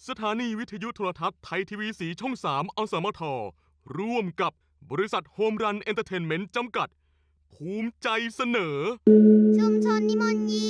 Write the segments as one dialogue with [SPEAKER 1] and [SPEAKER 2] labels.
[SPEAKER 1] สถานีวิทยุโทรทัศน์ไทยทีวีสีช่อง3อสมทร่วมกับบริษัทโฮมรันเอนเตอร์เทนเมนต์จำกัดภูมิใจเสนอ
[SPEAKER 2] ชุมชนนิมนต์ยิ้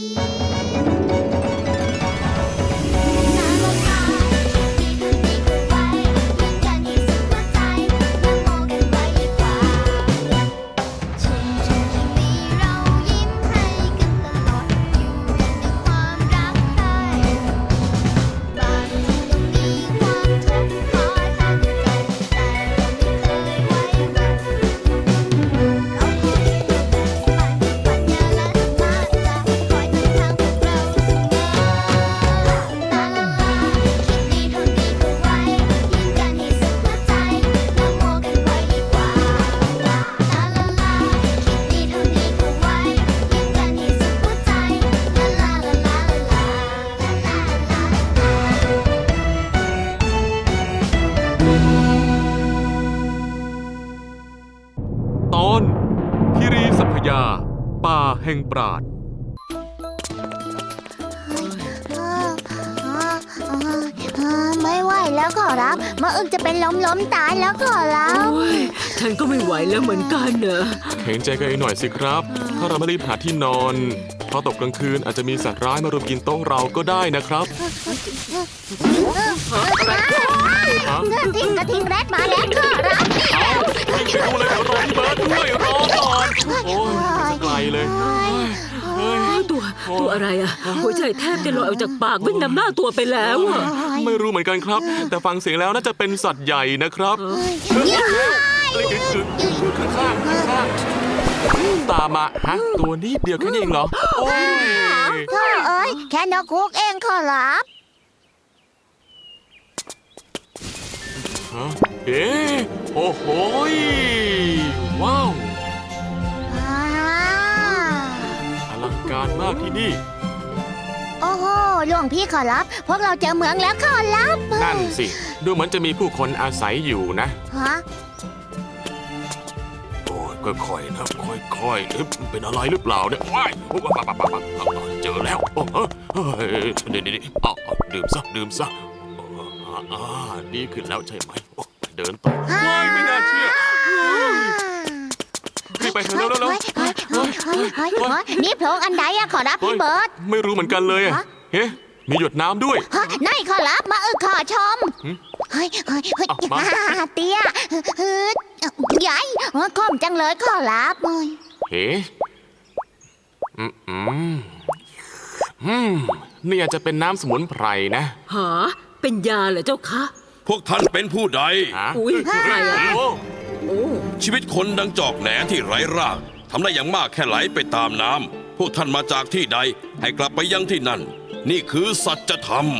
[SPEAKER 1] ตอนคิรีสัพยาป่าแห่งปราด
[SPEAKER 2] ไม่ไหวแล้วขอรับมะอึกจะเป็นล้มตายแล้วขอรับ
[SPEAKER 3] ฉันก็ไม่ไหวแล้วเหมือนกันเนอะ
[SPEAKER 1] เห็นใจกันหน่อยสิครับถ้าเราไม่รีบหาที่นอนพอตกกลางคืนอาจจะมีสัตว์ร้ายมารุมกินโต๊ะเราก็ได้นะครับ
[SPEAKER 2] กระทิงแรดมาแล้วขอรับ
[SPEAKER 1] วิ่งไปดูเลยเดี๋ยวรอพี่เบิร์ดด้วยรอก่อนโอ้ยไกลเลย
[SPEAKER 3] ตัวอะไรอะหัวใจแทบจะลอยออกจากปากวิ่งนำหน้าตัวไปแล้วอะ
[SPEAKER 1] ไม่รู้เหมือนกันครับแต่ฟังเสียงแล้วน่าจะเป็นสัตว์ใหญ่นะครับข้างตามมาฮะตัวนี้เดียวแค่นี้เองเหรอโอ้
[SPEAKER 2] ยแค่นกคุกเองขอรับ
[SPEAKER 1] เอ๊ะโอ้โหว้าวอลังการมากที่นี่
[SPEAKER 2] โอ้โหหลวงพี่ขอรับพวกเราเจอเมืองแล้วขอรับ
[SPEAKER 1] นั่นสิดูเหมือนจะมีผู้คนอาศัยอยู่นะ
[SPEAKER 2] ฮะ
[SPEAKER 1] โอ้ยค่อยๆนะค่อยๆเป็นอะไรหรือเปล่าเนี่ยว้ายเจอแล้วเดี๋ยวดื่มซะดีขึ้นแล้วใช่ไหมเดินต่อไม่น่าเชื่อรีบไปเถอะแล้ว
[SPEAKER 2] นี่โพรงอันใดอะขอรับพี่เบิร์ด
[SPEAKER 1] ไม่รู้เหมือนกันเลยเฮ้มีหยดน้ำด้วย
[SPEAKER 2] นั่นขอรับมาขอชมเฮ้ยเตี้ยใหญ่คมจังเลยขอรับ
[SPEAKER 1] เฮ้นี่อาจจะเป็นน้ำสมุนไพรนะ
[SPEAKER 3] หาเป็นยาเหรอเจ้าคะ
[SPEAKER 4] พวกท่านเป็นผู้ใด
[SPEAKER 3] อุ้ยใครอะ
[SPEAKER 4] ชีวิตคนดังจอกแหนที่ไร้รากทำได้อย่างมากแค่ไหลไปตามน้ำพวกท่านมาจากที่ใดให้กลับไปยังที่นั่นนี่คือสัจธรรม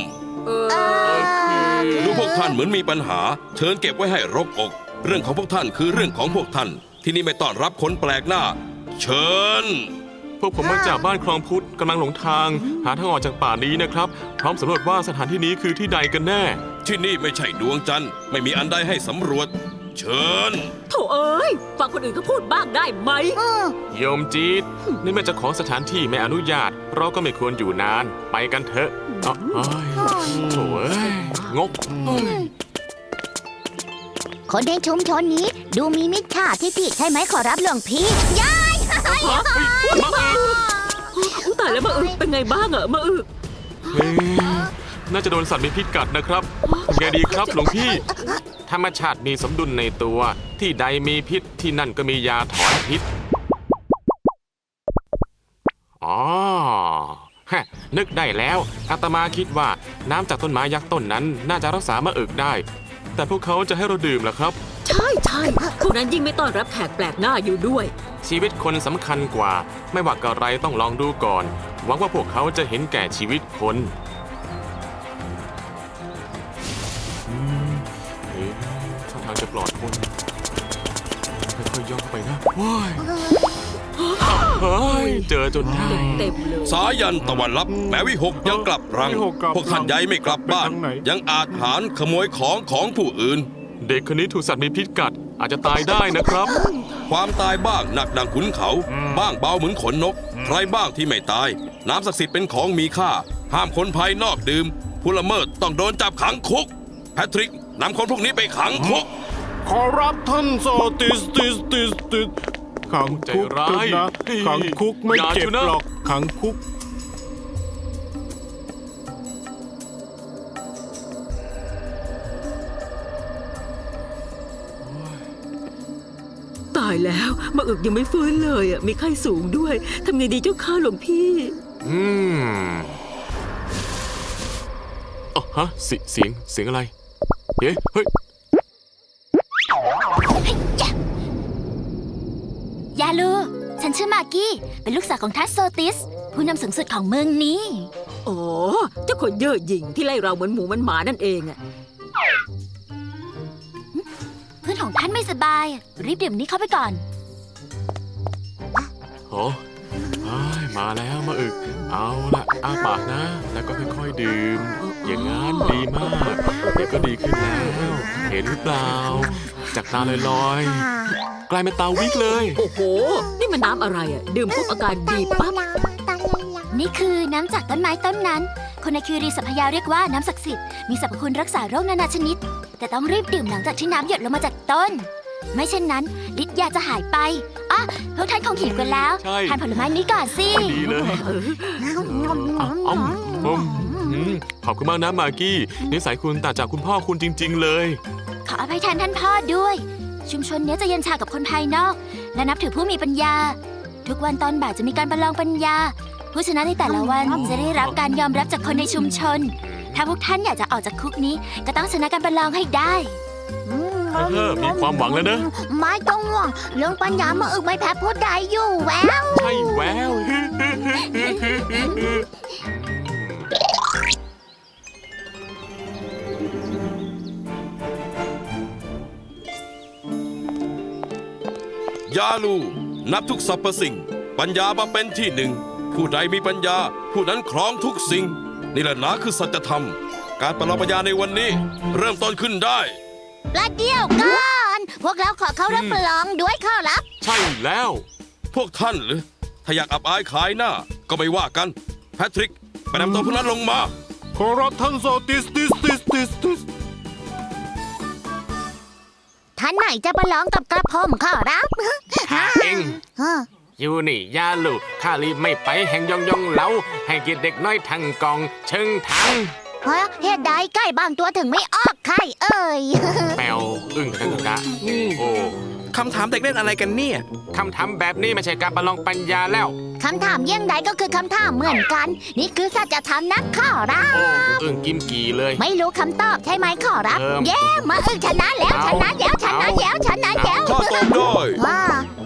[SPEAKER 4] ดูพวกท่านเหมือนมีปัญหาเชิญเก็บไว้ให้รกอกเรื่องของพวกท่านคือเรื่องของพวกท่านที่นี่ไม่ต้อนรับคนแปลกหน้าเชิญ
[SPEAKER 1] พวกผมมาจากบ้านคลองพุทธกำลังหลงทางหาทางออกจากป่านี้นะครับพร้อมสำรวจว่าสถานที่นี้คือที่ใดกันแน่
[SPEAKER 4] ที่นี่ไม่ใช่ดวงจันทร์ไม่มีอันใดให้สำรวจเชิญ
[SPEAKER 3] โถ่เอ้ยฟังคนอื่นเขาพูดบ้างได้ไหม
[SPEAKER 1] โยมจีดนี่แม่เจ้าของสถานที่ไม่อนุญาตเราก็ไม่ควรอยู่นานไปกันเถอะโถ่งก
[SPEAKER 2] คนในชุมชนนี้ดูมีมิจฉาทิฐิใช่ไหมขอรับหลวงพี่ยาย
[SPEAKER 3] ตายแล้วมะอึเป็นไงบ้างอะมะอึ
[SPEAKER 1] น่าจะโดนสัตว์มีพิษกัดนะครับไงดีครับหลวงพี่ธรรมชาติมีสมดุลในตัวที่ใดมีพิษที่นั่นก็มียาถอนพิษนึกได้แล้วอาตมาคิดว่าน้ำจากต้นไม้ยักษ์ต้นนั้นน่าจะรักษามะอึได้แต่พวกเขาจะให้เราดื่มเหรอครับ
[SPEAKER 3] ใช่พวกนั้นยิ่งไม่ต้อนรับแขกแปลกหน้าอยู่ด้วย
[SPEAKER 1] ชีวิตคนสำคัญกว่าไม่ว่าอะไรต้องลองดูก่อนหวังว่าพวกเขาจะเห็นแก่ชีวิตคนท่าทางจะปลอดคนค่อยๆย่องไปนะเจอจนได้
[SPEAKER 3] เต็มเลย
[SPEAKER 4] สายันตะวันลับแม้วิหกยังกลับรังพวกท่านใหญ่ไม่กลับบ้านยังอาจหารขโมยของผู้อื่น
[SPEAKER 1] เด็กคนนี้ถูกสัตว์มีพิษกัดอาจจะตายได้นะครับ
[SPEAKER 4] ความตายบ้างหนักดังขุนเขาบ้างเบาเหมือนขนนกใครบ้างที่ไม่ตายน้ำศักดิ์สิทธิ์เป็นของมีค่าห้ามคนภายนอกดื่มผู้ละเมิดต้องโดนจับขังคุก แพทริกนำคนพวกนี้ไปขังคุก
[SPEAKER 5] ขอรับท่านโซติสขังคุก
[SPEAKER 1] ใจร้าย
[SPEAKER 5] เถอะนะขังคุกไม่
[SPEAKER 1] อย่า
[SPEAKER 5] เจ็บ
[SPEAKER 1] ชูนะ
[SPEAKER 5] หรอกขังคุก
[SPEAKER 3] ตายแล้วมาอึกยังไม่ฟื้นเลยอ่ะมีไข้สูงด้วยทำไงดีเจ้าข้าหลวงพี่
[SPEAKER 1] อืมอ๋อฮะเสียงอะไรเฮ้ย
[SPEAKER 2] ยาลู ฉันชื่อมากกี้ เป็นลูกสาวของทัสโซติส ผู้นำสูงสุดของเมืองนี้
[SPEAKER 3] อ๋อเจ้าคนเย่อหยิ่งที่ไล่เราเหมือนหมูเหมันหมานั่นเองอ่ะ
[SPEAKER 2] เพื่อนของท่านไม่สบาย รีบดื่มนี้เข้าไปก่อน
[SPEAKER 1] โอ้มาแล้วมาอึก เอาละอ้าปากนะ แล้วก็ค่อยๆดื่ม อย่างนั้นดีมาก เดี๋ยวก็ดีขึ้นแล้ว เห็นหรือเปล่า จากตาลอยๆ กลายเป็นตาวิกเลย
[SPEAKER 3] โอ้โห นี่มันน้ำอะไรอ่ะดื่มปุ๊บอาการดีปั๊บ
[SPEAKER 2] นี่คือน้ำจากต้นไม้ต้นนั้น คนในคิรีสัพยาเรียกว่าน้ำศักดิ์สิทธิ์ มีสรรพคุณรักษาโรคนานาชนิด แต่ต้องรีบดื่มหลังจากที่น้ำหยดลงมาจากต้น ไม่เช่นนั้นฤทธิ์ยาจะหายไปอ่ะพวกท่านคงหิวกันแล้ว
[SPEAKER 1] ใช่
[SPEAKER 2] ทานผลไม้นี้ก่อนสิ
[SPEAKER 1] ดีเลยขอบคุณมากนะมากกี้นิสัยคุณต่างจากคุณพ่อคุณจริง ๆ เลย
[SPEAKER 2] ขออภัยแทนท่านพ่อด้วย ชุมชนเนี้ยจะเย็นชากับคนภายนอก และนับถือผู้มีปัญญา ทุกวันตอนบ่ายจะมีการประลองปัญญา ผู้ชนะในแต่ละวันจะได้รับการยอมรับจากคนในชุมชน ถ้าพวกท่านอยากจะออกจากคุกนี้ ก็ต้องชนะการประลองให้ได้
[SPEAKER 1] มีความหวังแล้วนะ
[SPEAKER 2] ไม่ต้องห่วงเรื่องปัญญามาอึกไม่แพ้ผู้ใดอยู่แวว
[SPEAKER 1] ใช่แวว
[SPEAKER 4] ยาลูนับทุกสรรพสิ่ง ปัญญามาเป็นที่หนึ่ง ผู้ใดมีปัญญา ผู้นั้นครองทุกสิ่ง นี่แหละนะคือสัจธรรม การประลองปัญญาในวันนี้ เริ่มต้นขึ้นได้
[SPEAKER 2] ประเดี๋ยวก่อนพวกเราขอเข้ารับประลองด้วยขอรับ
[SPEAKER 1] ใช่แล้ว
[SPEAKER 4] พวกท่านหรือ ถ้าอยากอับอายขายหน้า ก็ไม่ว่ากัน แพทริก ไปนำตัวพวกนั้นลงมา
[SPEAKER 5] ขอรับท่านโซติส
[SPEAKER 2] ท่านไหนจะประลองกับกระผมขอรับ
[SPEAKER 1] ข้าเอง
[SPEAKER 2] ฮะ
[SPEAKER 1] อยู่นี่ยาลูกข้ารีบไม่ไปแห่งยองเหลาให้เกียรติเด็กน้อยทั้งกอง เชิงทัง
[SPEAKER 2] เหตุใดไก่บางตัวถึงไม่ออกไข่เอ่ย
[SPEAKER 1] แปวอึ้งกันกะโอ้
[SPEAKER 6] คำถามเด็กเล่นอะไรกันเนี่ย
[SPEAKER 1] คำถามแบบนี้ไม่ใช่การประลองปัญญาแล้ว
[SPEAKER 2] คำถามเยี่ยงใดก็คือคำถามเหมือนกัน นี่คือสัจธรรมนักขอรับ
[SPEAKER 1] โอ้อึ้งกิมกี่เลย
[SPEAKER 2] ไม่รู้คำตอบใช่ไหมขอรับ
[SPEAKER 1] เ
[SPEAKER 2] เย้มาชนะแล้วชนะแล้วชนะแล้วชนะแล้ว
[SPEAKER 4] ข้าตอบได้
[SPEAKER 2] ว้าย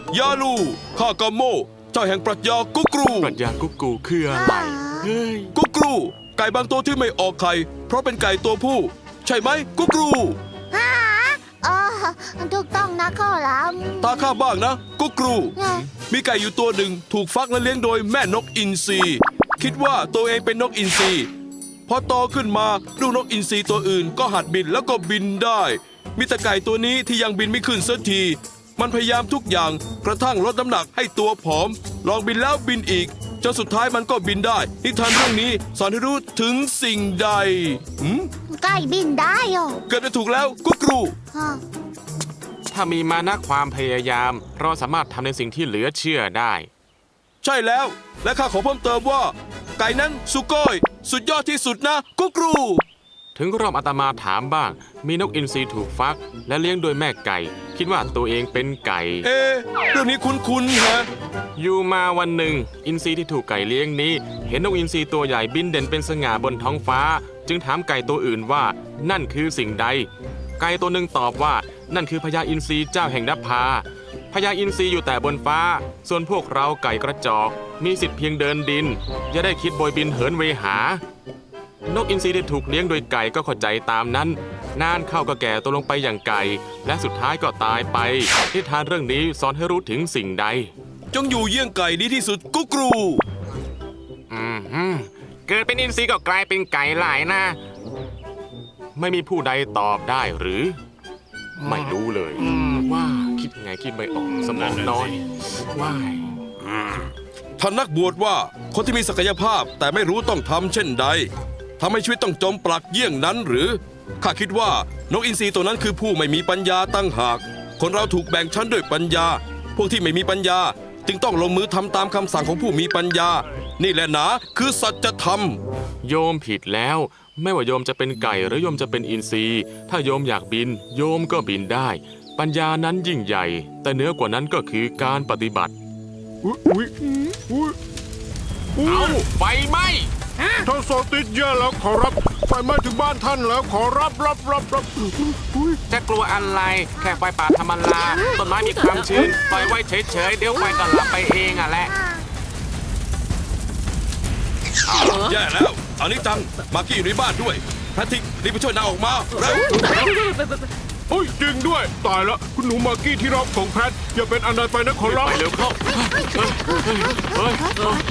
[SPEAKER 4] าลูข้ากาโม เจ้าแห่งปรัชญากุกรู
[SPEAKER 1] ปรัชญากุ๊กกูคืออะไรเฮ้ย
[SPEAKER 4] กุกรู ไก่บางตัวที่ไม่ออกไข่ เพราะเป็นไก่ตัวผู้ ใช่ไหมกุกรู
[SPEAKER 2] ฮะอ๋อถูกต้องนะขอรับ
[SPEAKER 4] ตาข้าบ้างนะกุกรู มีไก่อยู่ตัวหนึ่งถูกฟักและเลี้ยงโดยแม่นกอินทรีคิดว่าตัวเองเป็นนกอินทรีพอโตขึ้นมาลูกนกอินทรีตัวอื่นก็หัดบินแล้วก็บินได้ มีแต่ไก่ตัวนี้ที่ยังบินไม่ขึ้นสักที มันพยายามทุกอย่างกระทั่งลดน้ำหนักให้ตัวผอม ลองบินแล้วบินอีกจนสุดท้ายมันก็บินได้นิทานเรื่องนี้สอนให้รู้ถึงสิ่งใดหืม
[SPEAKER 2] ไก่บินได้เหรอ
[SPEAKER 4] เกิดไปถูกแล้วกุกรู
[SPEAKER 2] ฮะ
[SPEAKER 1] ถ้ามีมานะความพยายาม เราสามารถทำในสิ่งที่เหลือเชื่อได้
[SPEAKER 4] ใช่แล้ว และข้าขอเพิ่มเติมว่า ไก่นั้นสุโก้ยสุดยอดที่สุดนะกุกรู
[SPEAKER 1] ถึงรอบอาตมาถามบ้าง มีนกอินทรีถูกฟัก และเลี้ยงโดยแม่ไก่ คิดว่าตัวเองเป็นไก่
[SPEAKER 4] เอ๊ะเรื่องนี้คุ้นๆฮะ
[SPEAKER 1] อยู่มาวันหนึ่ง อินทรีที่ถูกไก่เลี้ยงนี้ เห็นนกอินทรีตัวใหญ่บินเด่นเป็นสง่าบนท้องฟ้า จึงถามไก่ตัวอื่นว่านั่นคือสิ่งใด ไก่ตัวหนึ่งตอบว่านั่นคือพญาอินทรีเจ้าแห่งนภาพญาอินทรีอยู่แต่บนฟ้า ส่วนพวกเราไก่กระจอก มีสิทธิ์เพียงเดินดิน อย่าได้คิดโบยบินเหินเวหา นกอินทรีที่ถูกเลี้ยงโดยไก่ก็เข้าใจตามนั้น นานเข้าก็แก่ตัวลงไปอย่างไก่ และสุดท้ายก็ตายไปนิทานเรื่องนี้สอนให้รู้ถึงสิ่งใด
[SPEAKER 4] จงอยู่เยี่ยงไก่ดีที่สุดกุกรู
[SPEAKER 1] เกิดเป็นอินทรีก็กลายเป็นไก่หลายนะ ไม่มีผู้ใดตอบได้หรือ ไม่รู้เลย ว่าคิดไงคิดไม่ออกสมองน้อยว่าย
[SPEAKER 4] ท่านนักบวชว่าคนที่มีศักยภาพแต่ไม่รู้ต้องทำเช่นใดทำให้ชีวิตต้องจมปลักเยี่ยงนั้นหรือ ข้าคิดว่านกอินทรีตัวนั้นคือผู้ไม่มีปัญญาตั้งหาก คนเราถูกแบ่งชั้นด้วยปัญญา พวกที่ไม่มีปัญญาจึงต้องลงมือทำตามคำสั่งของผู้มีปัญญา นี่แหละหนาคือสัจธรรม
[SPEAKER 1] โยมผิดแล้ว ไม่ว่าโยมจะเป็นไก่หรือโยมจะเป็นอินทรีถ้าโยมอยากบิน โยมก็บินได้ ปัญญานั้นยิ่งใหญ่ แต่เหนือกว่านั้นก็คือการปฏิบัติ
[SPEAKER 5] อุ๊ยอุ๊ยอุ๊ยอุ๊
[SPEAKER 1] เอา
[SPEAKER 5] ย
[SPEAKER 1] ไฟไหม้
[SPEAKER 5] ท่านโซติสแย่แล้วขอรับไฟไหม้ถึงบ้านท่านแล้วขอรับอุ๊ย
[SPEAKER 6] จะกลัวอะไร แค่ไฟป่าธรรมดาต้นไม้มีความชื้นปล่อยไว้เฉยๆ เดี๋ยวไฟก็ลับไปเองอ่ะแหละ
[SPEAKER 4] แย่แล้วอันนี้จัง มากี้อยู่ในบ้านด้วยแพทริกรีบไปช่วยนางออกมาเร็ว
[SPEAKER 5] เฮ้ยจริงด้วยตายแล้วคุณหนูมากกี้ที่รักของแพทอย่าเป็นอันใดไปนะขอรับ
[SPEAKER 1] ไปเร็วเข้าเฮ้ย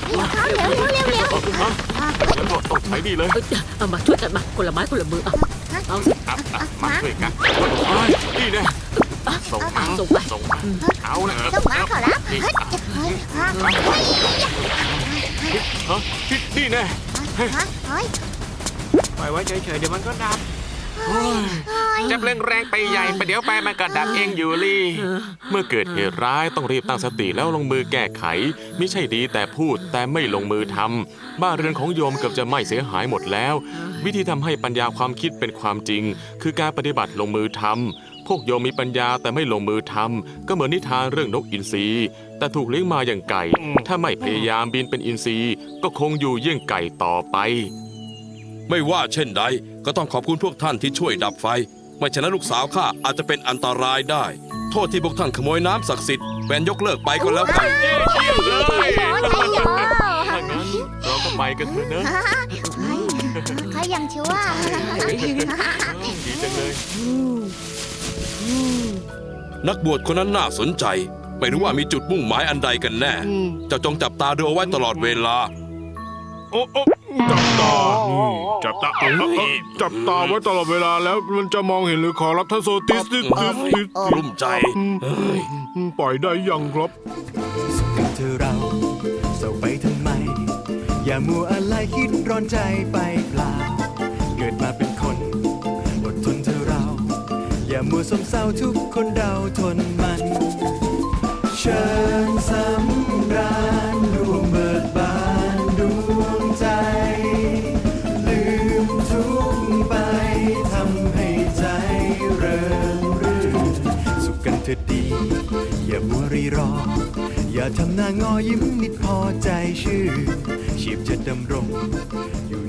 [SPEAKER 1] ฉันบอกต้องใช้ดีเลย
[SPEAKER 3] เอามาช่วยกันมาคนละไม้คนละมือเอาสิ
[SPEAKER 1] มาช่วยกันนี่แน่ส่งมา
[SPEAKER 3] ส่งไป
[SPEAKER 1] ส่งมาเอานะ
[SPEAKER 2] ส่งมาขอรับ
[SPEAKER 1] นี่นี่แน่
[SPEAKER 6] ปล่อยไว้เฉยๆ เดี๋ยวมันก็ดับจับเร่งแรงไปใหญ่ไปเดี๋ยวไปมันก็ดับเองอยู่ลี่
[SPEAKER 1] เมื่อเกิดเหตุร้ายต้องรีบตั้งสติแล้วลงมือแก้ไข ไม่ใช่ดีแต่พูดแต่ไม่ลงมือทำบ้านเรือนของโยมเกือบจะไหม้เสียหายหมดแล้ว วิธีทำให้ปัญญาความคิดเป็นความจริง คือการปฏิบัติลงมือทำพวกโยมมีปัญญาแต่ไม่ลงมือทำก็เหมือนนิทานเรื่องนกอินทรีแต่ถูกเลี้ยงมาอย่างไก่ ถ้าไม่พยายามบินเป็นอินทรีก็คงอยู่เยี่ยงไก่ต่อไป
[SPEAKER 4] ไม่ว่าเช่นใดก็ต้องขอบคุณพวกท่านที่ช่วยดับไฟ ไม่ฉะนั้นลูกสาวข้าอาจจะเป็นอันตรายได้ โทษที่พวกท่านขโมยน้ำศักดิ์สิทธิ์แวนยกเลิกไปก็แล้วกัน
[SPEAKER 1] เยี่ยมเลยถ้างั้นเราก็ไปกันเถอะเนอะ
[SPEAKER 2] เขายังชั่ว
[SPEAKER 1] ดีจังเลย
[SPEAKER 4] นักบวชคนนั้นน่าสนใจ ไม่รู้ว่ามีจุดมุ่งหมายอันใดกันแน่ เจ้าจงจับตาดูเอาไว้ตลอดเวลา
[SPEAKER 5] โอ้จับตาจับตาจับตาไว้ตลอดเวลาแล้วมันจะมองเห็นหรือขอรับท่านโซติส
[SPEAKER 4] กลุ้มใจ
[SPEAKER 5] ปล่อยได้ยังครับ
[SPEAKER 7] กันเธอเราเศร้าไปทำไม อย่ามัวอะไรคิดร้อนใจไปเปล่า เกิดมาเป็นคนอดทนเธอเรา อย่ามัวสมเศร้าทุกคนเราทนมัน เชิญสำราญดวงเบิกบานดวงใจ ลืมทุกข์ไปทำให้ใจเริงรื่นสุขกันเถิดดี อย่ามัวรีรอ อย่าทำหน้างอยิ้มนิดพอใจชื่นชีพจะดำรงอยู่